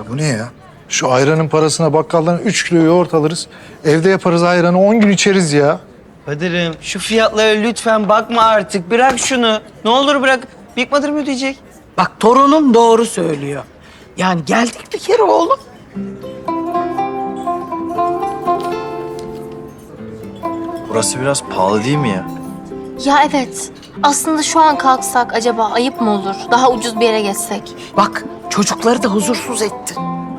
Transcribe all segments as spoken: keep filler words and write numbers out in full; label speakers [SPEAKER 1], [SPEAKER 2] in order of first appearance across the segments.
[SPEAKER 1] bu ne ya? Şu ayranın parasına bakkaldan üç kilo yoğurt alırız. Evde yaparız ayranı, on gün içeriz ya.
[SPEAKER 2] Kadir'im şu fiyatlara lütfen bakma artık. Bırak şunu. Ne olur bırak. Big Mother mı ödeyecek?
[SPEAKER 3] Bak torunum doğru söylüyor. Yani geldik bir kere oğlum.
[SPEAKER 4] Burası biraz pahalı değil mi ya?
[SPEAKER 5] Ya evet. Aslında şu an kalksak acaba ayıp mı olur? Daha ucuz bir yere geçsek.
[SPEAKER 3] Bak çocukları da huzursuz etti.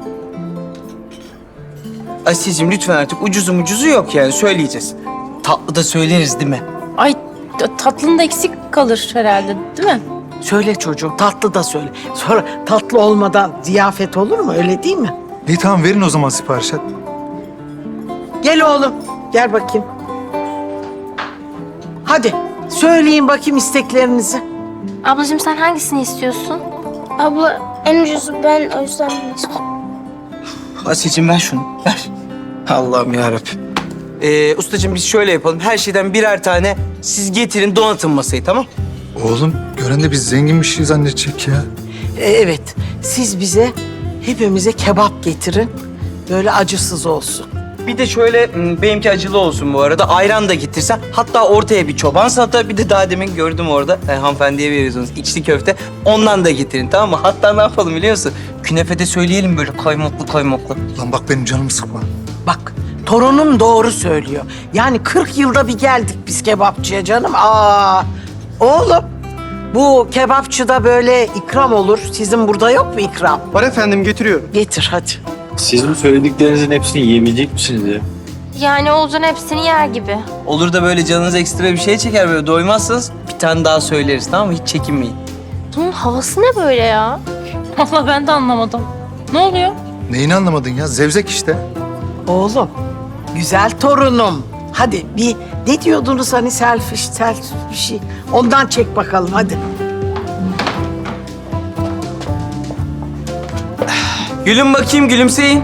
[SPEAKER 2] Asiye'cim lütfen artık ucuzu mucuzu yok yani söyleyeceğiz. Tatlı da söyleriz değil mi?
[SPEAKER 6] Ay t- tatlının da eksik kalır herhalde değil mi?
[SPEAKER 3] Söyle çocuğum tatlı da söyle. Sonra tatlı olmadan ziyafet olur mu öyle değil mi?
[SPEAKER 1] İyi tamam verin o zaman sipariş et.
[SPEAKER 3] Gel oğlum gel bakayım. Hadi söyleyin bakayım isteklerinizi.
[SPEAKER 5] Ablacığım sen hangisini istiyorsun?
[SPEAKER 7] Abla en ucuzu ben o yüzden bunu istiyorum.
[SPEAKER 2] Asiye'cim ver şunu. Ver. Allah'ım yarabbim. Ee, ustacığım biz şöyle yapalım. Her şeyden birer tane siz getirin donatın masayı tamam?
[SPEAKER 1] Oğlum gören de biz zengin bir şey zannedecek ya.
[SPEAKER 3] Ee, evet siz bize hepimize kebap getirin. Böyle acısız olsun.
[SPEAKER 2] Bir de şöyle m, benimki acılı olsun bu arada. Ayran da getirsen. Hatta ortaya bir çoban salata. Bir de daha demin gördüm orada. E, hanımefendiye veriyorsunuz içli köfte. Ondan da getirin tamam mı? Hatta ne yapalım biliyor musun? Künefede söyleyelim böyle kaymaklı kaymaklı.
[SPEAKER 1] Lan bak benim canımı sıkma.
[SPEAKER 3] Bak torunum doğru söylüyor. Yani kırk yılda bir geldik biz kebapçıya canım. Aa, oğlum bu kebapçıda böyle ikram olur. Sizin burada yok mu ikram?
[SPEAKER 8] Var efendim getiriyorum.
[SPEAKER 3] Getir hadi.
[SPEAKER 4] Siz bu söylediklerinizin hepsini yiyebilecek misiniz ya?
[SPEAKER 5] Yani Oğuzhan hepsini yer gibi.
[SPEAKER 2] Olur da böyle canınız ekstra bir şey çeker böyle doymazsanız bir tane daha söyleriz tamam mı? Hiç çekinmeyin.
[SPEAKER 5] Bunun havası ne böyle ya?
[SPEAKER 6] Vallahi ben de anlamadım. Ne oluyor?
[SPEAKER 1] Neyini anlamadın ya? Zevzek işte.
[SPEAKER 3] Oğlum güzel torunum. Hadi bir ne diyordunuz hani selfie, selfie bir şey. Ondan çek bakalım hadi.
[SPEAKER 2] Gülün bakayım gülümseyin.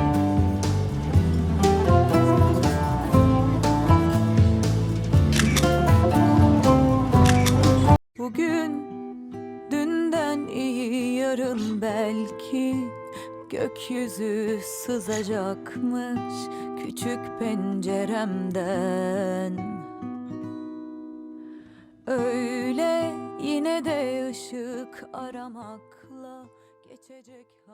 [SPEAKER 9] Bugün dünden iyi yarın belki gökyüzü sızacakmış küçük penceremden. Öyle yine de ışık aramakla geçecek.